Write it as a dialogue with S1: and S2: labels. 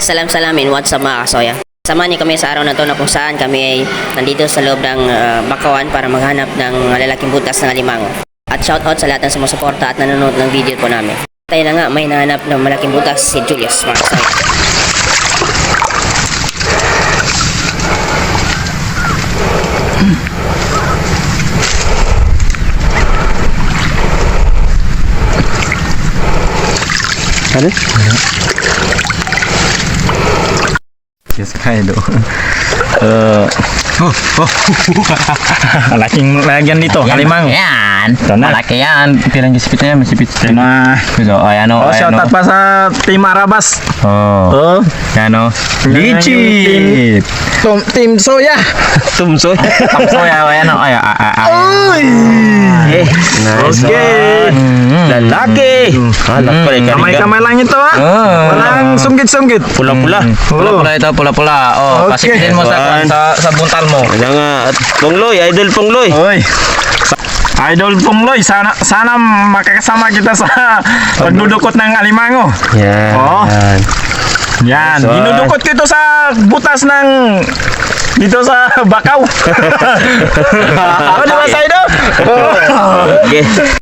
S1: Salam-salamin, what's up mga kasoya? Samahan niyo kami sa araw na to na kung saan kami ay nandito sa loob ng Bakawan para maghanap ng lalaking butas ng alimango. At shoutout sa lahat ng sumusuporta at nanonood ng video po namin. Tayo na nga, may nahanap ng malaking butas si Julius mga kasoya.
S2: Ada? Yes, kaya do. Malaking lagyan dito, kalimang.
S3: Yan.
S2: Sana.
S3: Malaki yan. Pirang gisipitnya masipit.
S2: Nah,
S3: Gitu. Oh, yan o.
S2: oh, shoutout pa sa Team Arabas.
S3: Oh.
S2: Oh,
S3: Yan o. Licit.
S2: Team Soya.
S3: Tumso. Tumso ya. Yan o. Ay.
S2: Uy.
S3: Nice.
S2: Okay.
S3: Lalaki.
S2: Kamay-kamay lang ito ha. Walang sunggit-sunggit.
S3: Pula-pula. Pula-pula ito. Pula-pula. Oh,
S2: Okay.
S3: pasipitin mo sa buntal mo.
S4: Jangan Pongloy, idol Pongloy.
S2: Oy. Idol Pongloy, sana makakasama kita sa pagdudukot ng alimango.
S4: Yan.
S2: Oh. Yan,
S4: Nice one.
S2: dinudukot ko ito sa butas ng dito sa Bakaw. Ano di ba, Saido?
S4: Okay.